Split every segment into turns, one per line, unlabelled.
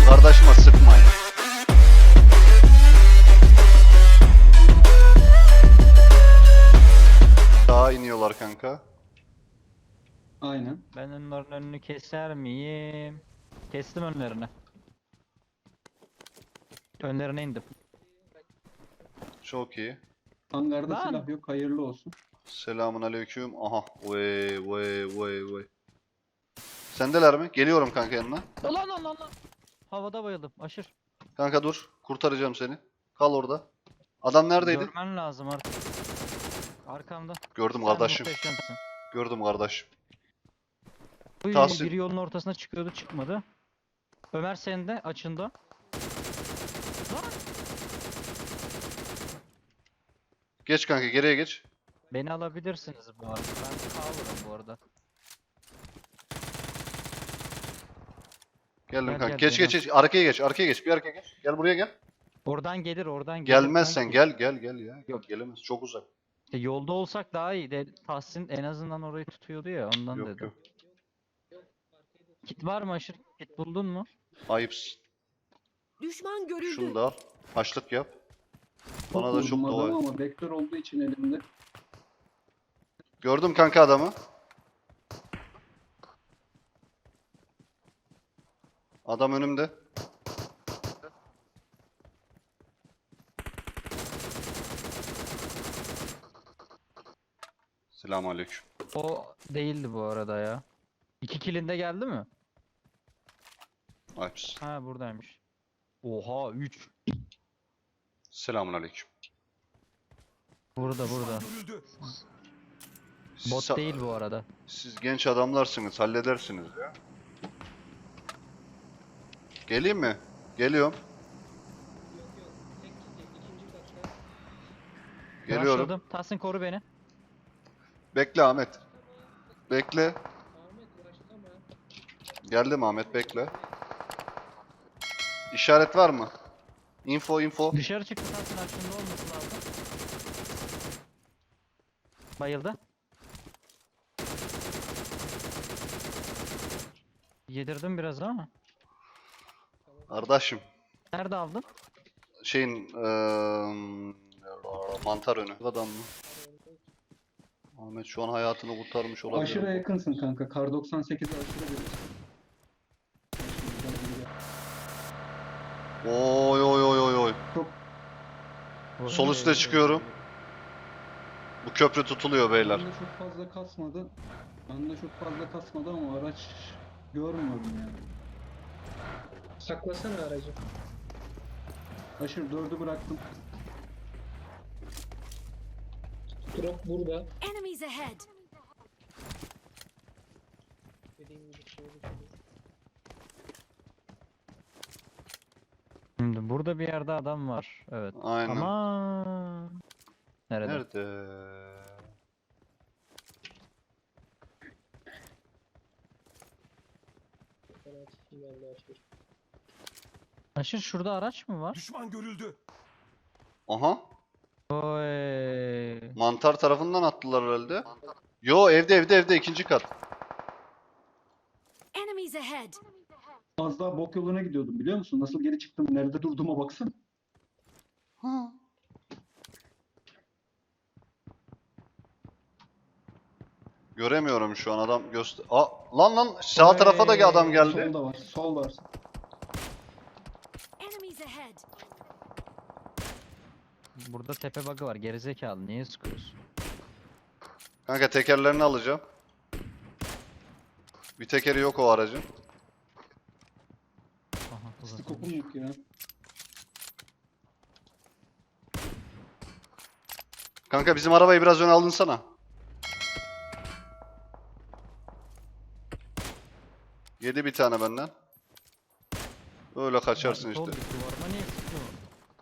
Kardeşime sıkmayın. Daha iniyorlar kanka.
Aynen.
Ben onların önünü keser miyim? Kestim önlerini. Önlerine indim.
Çok iyi.
Hangarda
Lan!
silah yok. Hayırlı olsun.
Selamun aleyküm. Aha. Vay. Sendeler mi? Geliyorum kanka yanına.
Lan! Havada bayıldım. Aşır.
Kanka dur. Kurtaracağım seni. Kal orada. Adam neredeydi?
Görmen lazım artık. Arkamda.
Gördüm
Sen
kardeşim.
muhteşemsin.
Gördüm kardeşim.
Uy,
Tahsin.
biri yolun ortasına çıkıyordu, çıkmadı. Ömer senin de açında. Lan!
Geç kanka, geriye geç.
Beni alabilirsiniz bu arada. Ben kalırım bu arada.
Geldim
Gel,
kanka.
gel,
Geç
beni
geç geç. Arkaya geç. Arkaya geç. Bir arkaya geç. Gel buraya gel.
Oradan gelir.
Gelmezsen
kanki.
gel ya. Yok gelemez. Çok uzak.
İşte yolda olsak daha iyi. Tahsin en azından orayı tutuyordu ya, ondan
Yok
dedim.
yok.
Kit var mı Aşır? Kit buldun mu?
Ayıpsın.
Düşman görüldü.
Şunu da al. Haşlık yap. Bana da
vurdum
çok
adamı
dua et.
ama vektör olduğu için elimde.
Gördüm kanka adamı. Adam önümde. Selamünaleyküm.
O değildi bu arada ya. 2 kilinde geldi mi?
Ayıpsın.
Ha, buradaymış. Oha, 3.
Selamünaleyküm.
Burada.
Siz,
Bot değil bu arada.
siz genç adamlarsınız, halledersiniz ya. Geleyim mi? Geliyorum. Geliyorum.
Rushladım. Tahsin koru beni.
Bekle Ahmet. Bekle. Geldim Ahmet, bekle. İşaret var mı? Info.
Dışarı çıktı, Tahsin aklında olması lazım. Bayıldı. Yedirdim biraz ama.
Kardeşim.
Nerede aldın?
Şeyin mantar önü. Adam mı? Ahmet şu an hayatını kurtarmış olabilir.
Aşırı yakınsın kanka. Kar 98'e aşırı bir.
Oy.
Çok
Sol üste çıkıyorum. Bu köprü tutuluyor beyler.
bende çok fazla kasmadı. Bende çok fazla kasmadı ama araç görmüyorum yani.
Saklasana aracı.
Aşırı 4'ü bıraktım.
Drop burada.
Enemies ahead.
Dediğim gibi şöyle.
Şimdi burada bir yerde adam var. Evet.
Aynen.
Ama nerede?
Nerede?
Fanatik geldi açmış.
Aşır, şurada araç mı var?
Düşman görüldü.
Aha.
Oy.
Mantar tarafından attılar herhalde. Yo, evde ikinci kat.
Enemies ahead.
Az daha bok yoluna gidiyordum biliyor musun? Nasıl geri çıktım? Nerede durduğuma baksana.
Ha. Göremiyorum şu an, adam göster. Lan sağ tarafa da adam geldi.
Solda var. Sol var.
Enemies ahead.
Burada tepe bug'ı var. Gerizekalı. Niye sıkıyorsun?
Kanka tekerlerini alacağım. Bir tekeri yok o aracın.
Aha, uzatılmış.
Skopum yok ya.
Kanka bizim arabayı biraz öne alınsana. Yedi bir tane benden. Öyle kaçarsın
Abi, sol
işte.
dik duvarıma niye sıkıyorsun?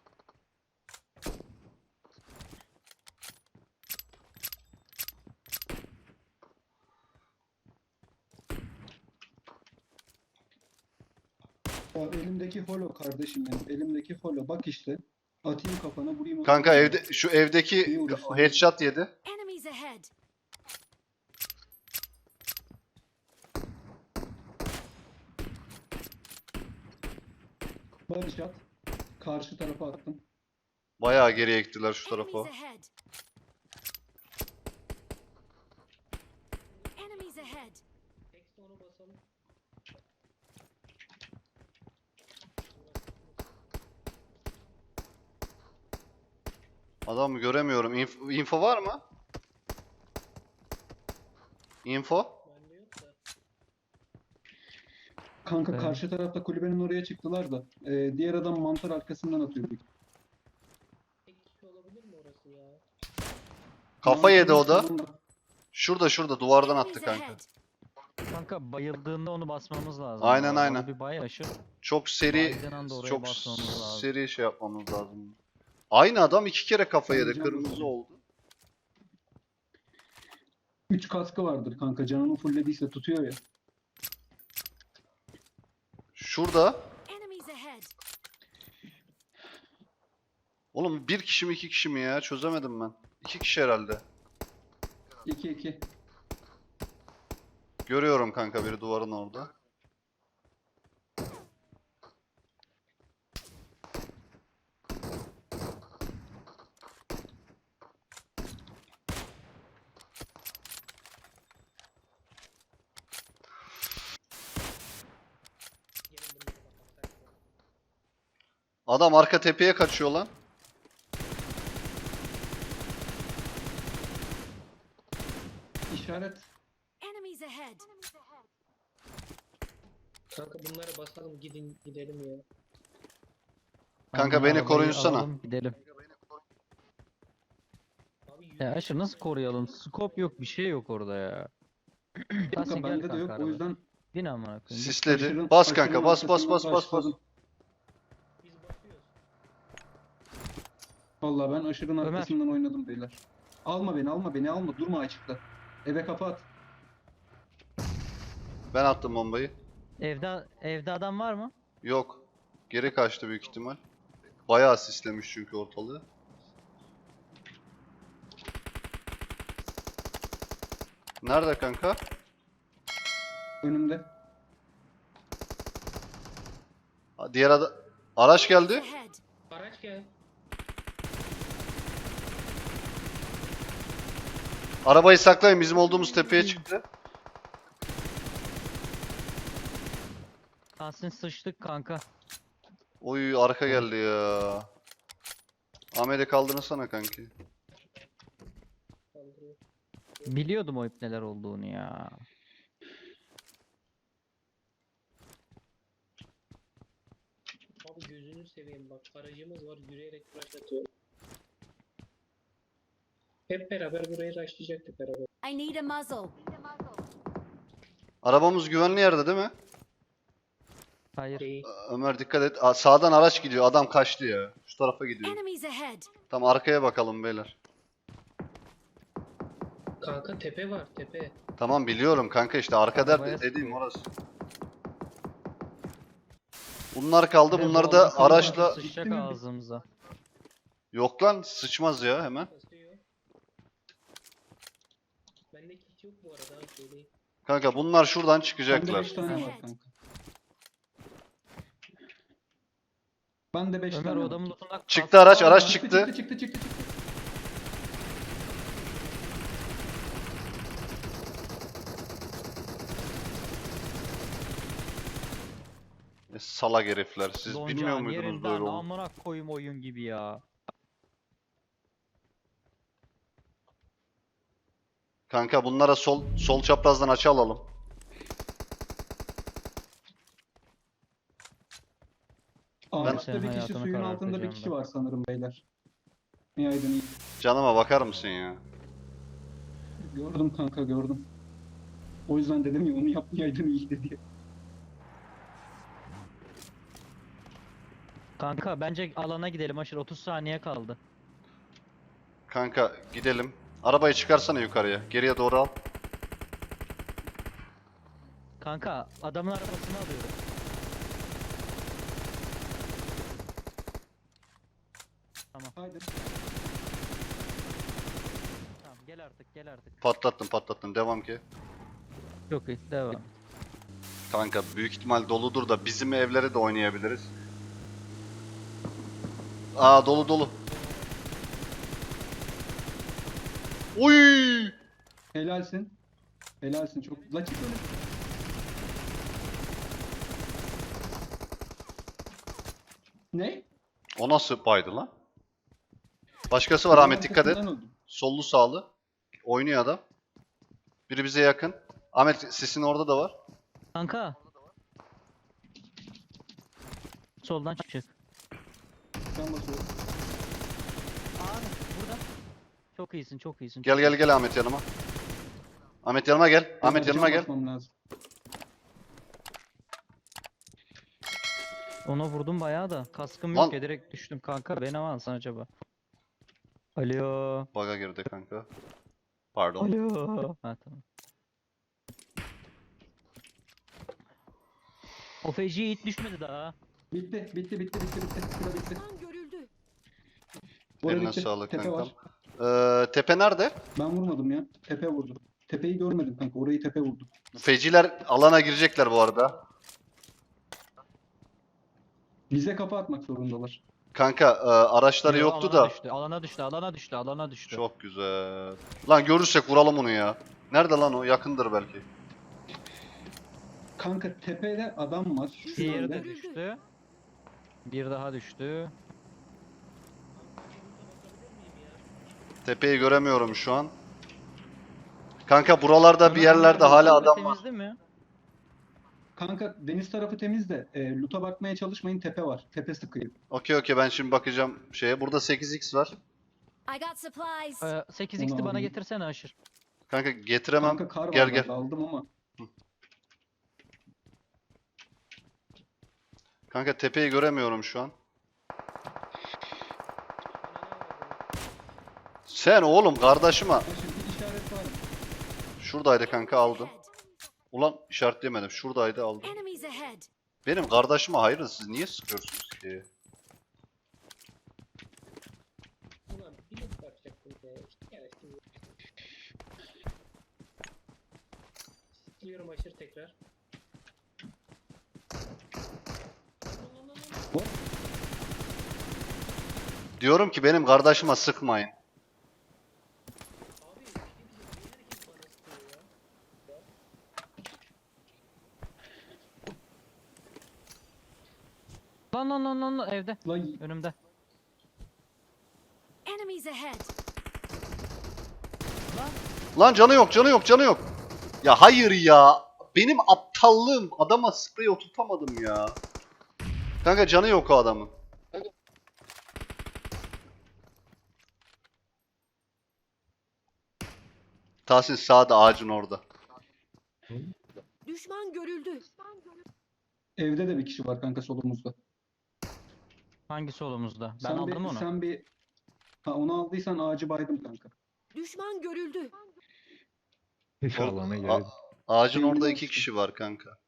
Ya elimdeki holo kardeşim benim. Elimdeki holo. Bak işte. Atayım kafana vurayım.
Kanka şu evdeki
İyi uğraştın.
headshot yedi.
Enemies ahead.
Barış at. Karşı tarafa attım.
Bayağı geriye gittiler şu
Enemies
tarafa.
ahead. Enemies ahead.
Tekste onu basalım.
Adamı göremiyorum. Info var mı? Info?
Bende yok da.
Kanka
Evet.
karşı tarafta kulübenin oraya çıktılar da. Diğer adam mantar arkasından atıyor.
Tek kişi olabilir mi orası ya?
Kafa yedi o da.
Mantarın solunda.
Şurada duvardan
Enemies
attı kanka.
ahead.
Kanka bayıldığında onu basmamız lazım.
Aynen,
Onu
aynen.
bir bay aşır.
Çok seri
Baydığın anda oraya
çok
basmamız lazım.
seri şey yapmamız lazım. Aynı adam 2 kere kafa yedi.
Oynayacağım
Kırmızı
bunu.
oldu.
3 kaskı vardır kanka. Canını fulllediyse tutuyor ya.
Şurada.
Enemies ahead.
Oğlum bir kişi mi 2 kişi mi ya? Çözemedim ben. 2 kişi herhalde.
2-2.
Görüyorum kanka biri duvarın orada.
Gelin bunları kapatsak.
Adam arka tepeye kaçıyor lan.
İşaret.
Enemies ahead.
Kanka bunları basalım gidelim ya.
Kanka
Aynen,
beni
arabayı
koruyunsana.
alalım, gidelim.
Abi
Ya Aşır nasıl koruyalım? Scope yok, bir şey yok orada ya. Tahsin
Kanka
gel
bende de
kanka
yok. O
arabaya.
yüzden
Bin amına koyayım. Git.
Sisledi.
aşırın-
Bas
aşırın
kanka bas bas
arkasından
bas bas bas.
başladım.
biz basıyoruz.
Vallahi ben aşırın
Ömer.
arkasından oynadım beyler. Alma beni alma. Durma açıkta. Eve kapat.
Ben attım bombayı.
Evde adam var mı?
Yok. Geri kaçtı büyük ihtimal. Bayağı sislemiş çünkü ortalığı. Nerede kanka?
Önümde.
Diğer araç geldi.
Ahead.
Araç gel.
Arabayı saklayın, bizim olduğumuz tepeye çıktı.
Tahsin sıçtık kanka.
Oy arka geldi ya. Ahmet'e kaldırsana kanki.
Kaldırıyor.
Biliyordum o ip neler olduğunu ya.
Abi gözünü seveyim bak aracımız var yürüyerek rush atıyor. Hep beraber burayı rushlayacaktık beraber.
I need a muzzle.
Arabamız güvenli yerde değil mi?
Hayır.
Değil.
Ömer dikkat et. Sağdan araç gidiyor. Adam kaçtı ya. Şu tarafa gidiyor.
Enemies ahead.
Tam arkaya bakalım beyler.
Kanka tepe var tepe.
Tamam biliyorum kanka işte arkada
Arabaya
dediğim
sıkıyor.
orası. Bunlar kaldı.
Bir de
Bunları
bu
da
adam
araçla...
sıçacak
Gitti mi?
ağzımıza.
Yok lan sıçmaz ya hemen.
Basıyor. Bende kit yok bu arada söyleyeyim.
Kanka bunlar şuradan
Bende
çıkacaklar.
5 tane var kanka. Bende 5
Ömer
tane
o
var.
adamın lootuna
Çıktı araç,
Aa,
araç
Çıktı.
çıktı. Salak herifler. Siz bilmiyor
Doncağın
muydunuz
yerinden
böyle olduğunu?
amına koyayım oyun gibi ya.
Kanka bunlara sol çaprazdan açı alalım.
Ağaçta
senin
bir kişi
hayatını
suyun altında bir
karartacağım
kişi
ben.
var sanırım beyler. İyi aydın iyi.
Canıma bakar mısın ya?
Gördüm kanka gördüm. O yüzden dedim ya onu yapmayaydın iyiydi diye.
Kanka bence alana gidelim Aşır 30 saniye kaldı.
Kanka gidelim. Arabayı çıkarsana yukarıya. Geriye doğru al.
Kanka adamın arabasını alıyorum.
Haydi.
Tamam gel artık.
Patlattım. Devam ki.
Çok iyi devam.
Kanka büyük ihtimal doludur da bizim evlere de oynayabiliriz. Aa dolu dolu. Uy!
Helalsin. Helalsin çok. La çık öyle. Ne?
O nasıl baydı lan? Başkası var
Duvar
Ahmet, dikkat et.
arkasından öldüm.
Sollu sağlı. Oynuyor adam. Biri bize yakın. Ahmet sisin orada da var.
Kanka. Soldan çık.
Ben basıyorum.
Abi burada. Çok iyisin, çok iyisin.
Gel gel gel Ahmet yanıma. Ahmet yanıma gel. Ahmet
Benim
yanıma gel.
basmam lazım.
Ona vurdum bayağı da. Kaskım
Lan.
yok ya, direkt düştüm kanka. Beni mi alsan acaba? Alo.
Baga girdi kanka. Pardon.
Alo. Ha tamam. O feci hiç düşmedi daha.
Bitti. Sıra bitti.
Düşman görüldü.
Orada
Eline
bitti.
sağlık
Tepe
kankam.
var.
Tepe nerede?
Ben vurmadım ya. Tepe vurdu. Tepeyi görmedim kanka. Orayı tepe vurdu.
Feciler alana girecekler bu arada.
Bize kafa atmak zorundalar.
Kanka araçları
Yo,
yoktu
alana
da.
Düştü, alana düştü.
Çok güzel. Lan görürsek vuralım onu ya. Nerede lan o? Yakındır belki.
Kanka tepede adam var.
Diğeri
Şöyle.
de düştü. Bir daha düştü.
Tepeyi göremiyorum şu an. Kanka buralarda bir yerlerde hala adam var.
Temizdi mi?
Kanka deniz tarafı temiz de loot'a bakmaya çalışmayın, tepe var. Tepe sıkıyor.
Okey ben şimdi bakacağım şeye. Burada 8x var.
I got supplies.
8x'ti
Onu
bana
alayım.
getirsene Aşır.
Kanka getiremem.
Kanka kar var
Gel
bende,
gel.
aldım ama.
Kanka tepeyi göremiyorum şu an. Sen oğlum kardeşime.
Ha, şimdi bir işaret var.
Şuradaydı kanka aldım.
Ahead.
Ulan işaretleyemedim. Şuradaydı aldım.
Enemies ahead.
Benim kardeşime hayırdır siz niye sıkıyorsunuz ki?
Ulan bir loot bakacaktım ya. Yani şimdi. Sıkılıyorum aşırı tekrar.
Diyorum ki benim kardeşime sıkmayın.
Abi bir şey diyeceğim. Niye herkes bana sıkıyor ya?
Lan evde.
Lan
Önümde.
Enemies ahead.
Lan canı yok. Ya hayır ya. Benim aptallığım. Adama sprey oturtamadım ya. Kanka canı yok o adamın. Tahsin sağda ağacın orada.
Düşman görüldü.
evde de bir kişi var kanka solumuzda.
Hangi solumuzda? Ben
Sen
aldım onu.
Sen bir... Ha, onu aldıysan ağacı baydım kanka.
Düşman görüldü.
İnşallah ne
A-
gelir.
ağacın
Benim
orada
olsun.
2 kişi var kanka.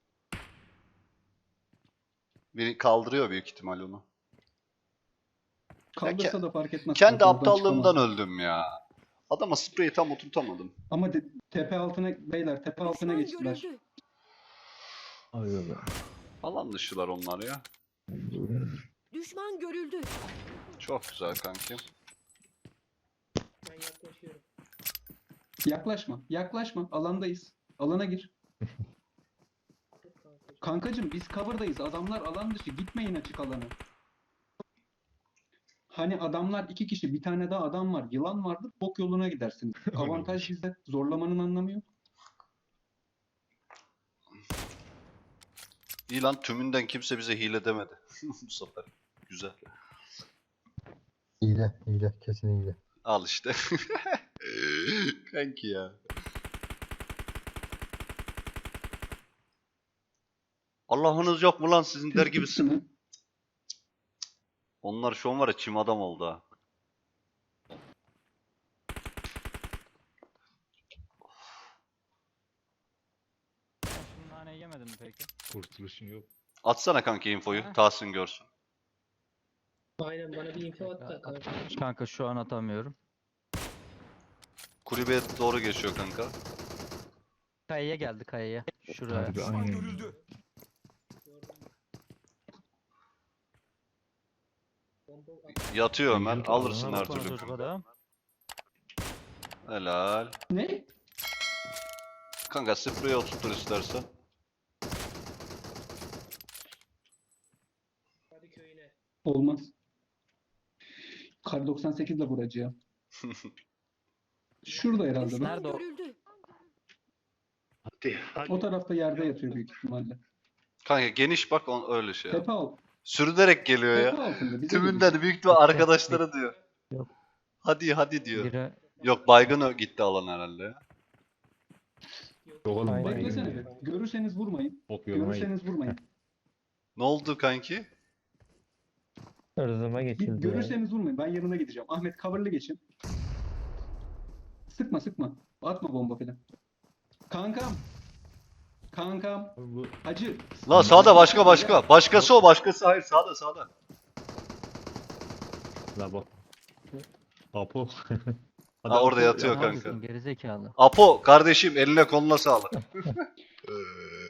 Biri kaldırıyor büyük ihtimal onu.
Kaldırsa da fark etmez.
Kendi
kanka, oradan
aptallığımdan
çıkamaz.
öldüm ya. Adama spreyi tam oturtamadım.
Ama tepe altına, beyler tepe altına
Düşman
geçtiler.
görüldü.
Hayır.
Alan dışılar onlar ya.
Düşman görüldü.
Çok güzel kanki.
Ben yaklaşıyorum.
Yaklaşma. Alandayız. Alana gir.
Dur kankacığım.
Kankacım biz cover'dayız. Adamlar alan dışı. Gitmeyin açık alana. Hani adamlar 2 kişi, bir tane daha adam var. Yılan vardır. Bok yoluna gidersin. Avantaj bizde. Zorlamanın anlamı yok.
İyi lan tümünden kimse bize hile demedi. Bu sefer. Güzel.
Hile. Kesin hile.
Al işte. Kanki ya. Allah'ınız yok mu lan sizin der gibisin.
Hı?
Onlar şu an var ya çim adam oldu ha.
Şimdi naneyi yemedin mi peki?
Kurtuluşun yok.
Atsana kanki infoyu.
Ha.
Tahsin görsün.
Aynen bana bir info at da kanka.
Kanka şu an atamıyorum.
Kulübeye doğru geçiyor kanka.
Kayaya geldi kayaya. Şuraya.
Harbi aynen.
Gördüm. Bomba
Yatıyor Ömer.
Büyük
Alırsın
Ona
her
bak lan
türlü.
çocuk adam.
Helal.
Ne?
Kanka spreye oturtur istersen.
hadi köyüne.
Olmaz. Kar 98 ile vuracağım. Şurada herhalde. bak.
Düşman
Nerede o?
görüldü.
O tarafta yerde yatıyor büyük ihtimalle.
Kanka geniş bak öyle şey. yap.
Tepe alt.
Sürünerek geliyor
Tepe
ya.
altında. Bize
Tümünden büyük ihtimal arkadaşlara diyor.
Yok.
Hadi diyor.
Biri
Yok baygın gitti alan herhalde ya.
Yok oğlum.
Aynen.
baygın
Beklesene
ya.
bir. Görürseniz vurmayın.
Ok yoluna gitti.
Görürseniz vurmayın.
Ne oldu kanki?
Hırzıma
Bir
geçildi ya.
görürseniz vurmayın. Ben yanına gideceğim. Ahmet coverlı geçin. Sıkma. Atma bomba falan. Kankam.
Bu
Hacı.
La sağda başka. Başkası o başkası. Hayır sağda.
la bak. Apo.
Ha, orada yatıyor
Aha,
kanka.
bizim gerizekalı.
Apo kardeşim eline koluna sağlık.